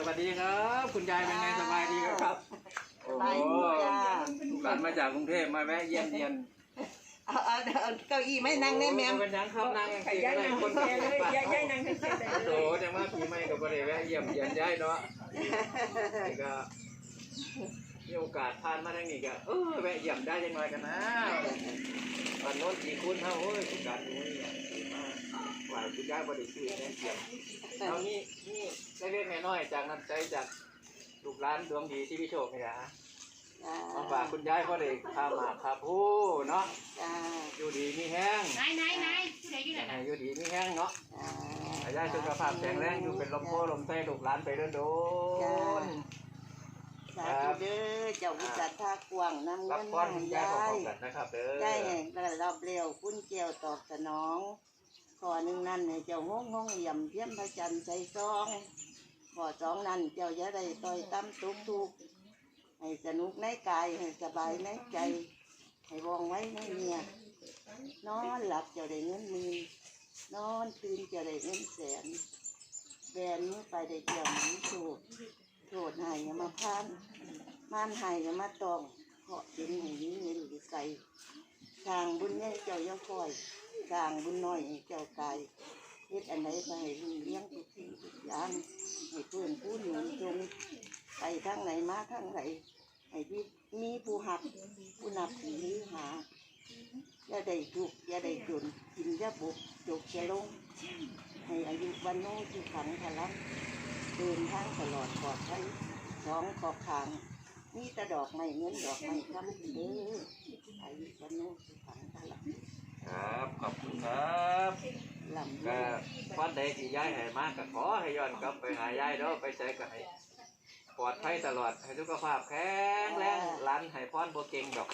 วัสดีครับคุณยายเป็นไงสบายดีครับโอ้โหกันมาจากกรุงเทพมาแวะเยี่ยมเยียนเอาเก้าอี้ไม่นั่งได้แม่เป็นยังครับนั่งยังย้ายนั่งคนแก่เลยย้ายนั่งเฉยๆโอ้โหจังว่าปีใหม่กับบริเวณเยี่ยมเยียนย้ายเนาะก็มีโอกาสผ่านมาทางนี้ก็แวะเยี่ยมได้ยังไงกันนะตอนโน้นกี่คุณเท่าโอ้ยโอกาสนี้หวานคุณยายบริสุทธิ์แน่เยี่ยมเอานี่เล็กๆน้อยๆจากน้ำใจจากลูกหลานดวงดีที่พี่โชคนี่นะมาฝากคุณยายก็เลยพามาครับผู้เนาะอยู่ดีมีแห้งนายผู้ใดอยู่ไหนอยู่ดีมีแห้งเนาะยายสุขภาพแข็งแรงอยู่เป็นลมโพลมไส้ลูกหลานไปโดนสาธุเด้อเจ้าวิจารณ์ท่ากวางน้ำเงินน้ำยายนะครับเด้อยายรับเร็วคุณเกี่ยวตอบสนองขอหนึ่งนั่นเจ้าห้องเยี่ยมเพี้ยมพระจันทร์ใจซองขอสองนั่นเจ้าอย่าได้ต่อยตั้มทุกให้สนุกในกายให้สบายในใจให้วองไว้ในเมียนอนหลับเจ้าได้เงินหมื่นนอนตื่นเจ้าได้เงินแสนแบนมือไปได้เกี่ยวหนีโทษหายมาพานม่านหายมาตองเพาะดินให้นี้เงินหรือไก่ทางบุญใหญ่เจ้าย่อคอยทางบุญน้อยเจ้ากายเฮ็ดอันไหนไปให้เลี้ยงทุกสิ่งทุกอย่างให้เพื่อนผู้หนุนจงไปทั้งไหนมาทั้งไหนให้มีผู้หักผู้นับถือหาอย่าได้ทุกอย่าได้จนกินอย่าบุกจกจะลงให้อายุวันโน้ที่ขังพลังเดินทางตลอดปลอดภัยท้องขอบขางมีแต่ดอกไม้เงินดอกไม้คำเด้ออายุวันโน้ที่ขังพลังครับขอบคุณครับก็วันใดที่ย้ายให้มากก็ขอให้ย้อนกลับไปหายายเด้อไปใช้ก็ให้ปลอดภัยตลอดให้สุขภาพแข็งแรงร้านให้พรบ่เก่งดอก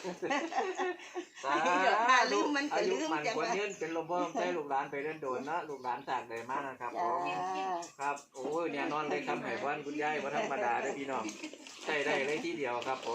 ลืมมันก็ลืมจังว่าเป็นลมบ่ได้ลูกหลานไปเดินโดนนะลูกหลานจากได้มากนะครับครับโอ้ยเนี่ยนอนเลยคำให้พรคุณยายบ่ธรรมดาเด้อพี่น้องใช้ได้เลยทีเดียวครับ